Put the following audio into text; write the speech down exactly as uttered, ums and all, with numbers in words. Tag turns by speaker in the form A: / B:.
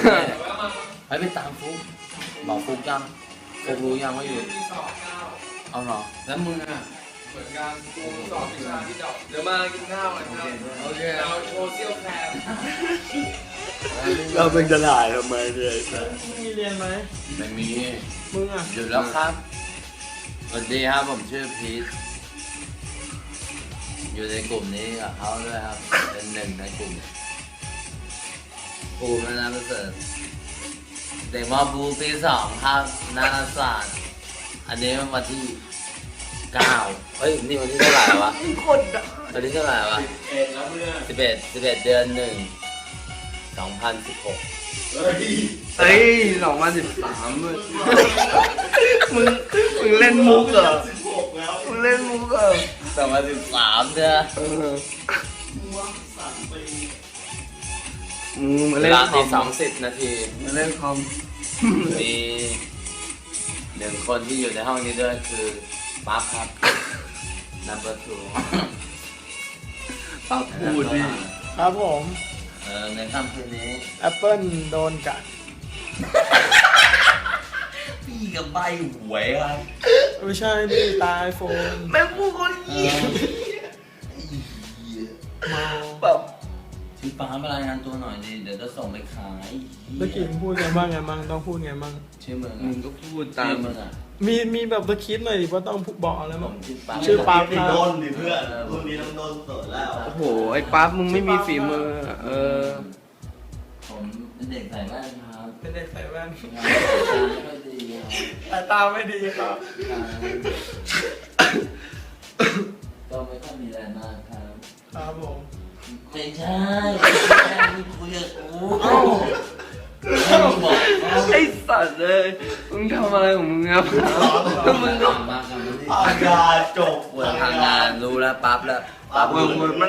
A: ให้ไปตามฟุกบอกฟุกยังฟุกรู้ยังว่าอยู่เอาหรอแล้วมึงอ่ะ
B: เหมือนกันกูสอบวิชาที่ดอกเดี๋ยวมากินข้าวกันครับโอเคเราโชว์เซี่ยวแคม
C: เราเป็นจะถ่ายทำไมเนี่ย
D: มีเรียนไหม
A: ไม่มี
D: มึงอ่ะ
A: หยุดแล้วครับสวัสดีครับผมชื่อพีทอยู่ในกลุ่มนี้กับเขาด้วยครับเป็นหนึ่งในกลุ่มภูมินาประเสริฐเด็กมอบูปีสองครับนาฏศาสตร์อันนี้วันที่เก้าเฮ้ยนี่วันที่เท่าไหร่วะวันที่เท่าไหร่วะ
C: เอ็ดแล้วเพื่อน
A: สิบเอ็ดสิบเอ็ดเดือนหนึ่งสองพันสิบหก
C: เฮ้ย
D: เฮ้ยสองพันสิบสามมึงมึงมึงเล่นมุกเหรอ
C: สิบหกแล้ว
D: มึงเล่นมุกเหรอ
A: สองพันสิบสามเนี่ย
D: เออ
C: ม่วงสามปี
D: มึงมา
A: เว
D: เล่น
A: ลา
D: คอ
A: ตี
D: ม
A: สองสิบนาที
D: มาเล่นคอม
A: มีหนึ่งคนที่อยู่ในห้องนี้ด้วยคือปั๊บครับ number two
D: ปั๊บพูดดิครับผม
A: เออในค่ำคืนนี้
D: แอปเปิลโดนกัด
A: พี่กับใบหวยครับ
D: ไม่ใช่ดิตายโฟนแม่งพูดคนเหี้ยเมาแบบ
A: ชื่อป้ามารายงานตัวหน่อยดิเดี๋ยวจะส่งไปขาย
D: เมื่อกี้มึงพูดไงบ้างไงบ้างต้องพูดไงบ้าง
A: ชื่อมึง
D: มึ
A: อ่ะ
D: งก็พูด
A: ตา
D: ตาม
A: มมึงอ่ะ
D: มีมีแบบสคริปต์หน่อยดิว่าต้องบอกอะไร
A: ผ
D: บ้าง
A: มชื่อปั๊บ
D: ชื่อปั๊บ
C: ไปโดนดิเพื่อนพรุ่งนี้ต้องโดนเปิดแล้ว
D: โอ้โหไอ้ปั๊บมึงไม่มีฝีมือเออ
A: ผมเป็นเด็กใส่แว่นครับ
D: เป็นเด็กใส่แว่น
A: งานสายตาไม่ค่อยดีครับ
D: สายตาไม่ดีครับ
A: ก็ไม่ค่อยมีอะไรมากครับ
D: ครับผม
A: ไม่ใช่ไม่ใช่ที่คุยกับกูบอกเขา
D: ไอ้สัตว์เลยมึงทำอะไรของมึงครับมึง
A: ทำมากันไม่ได้
C: อากาศจบ
A: เปิดทางงานรู้แล้วปั๊บแล้ว
C: ปั๊บ
D: มึงมัน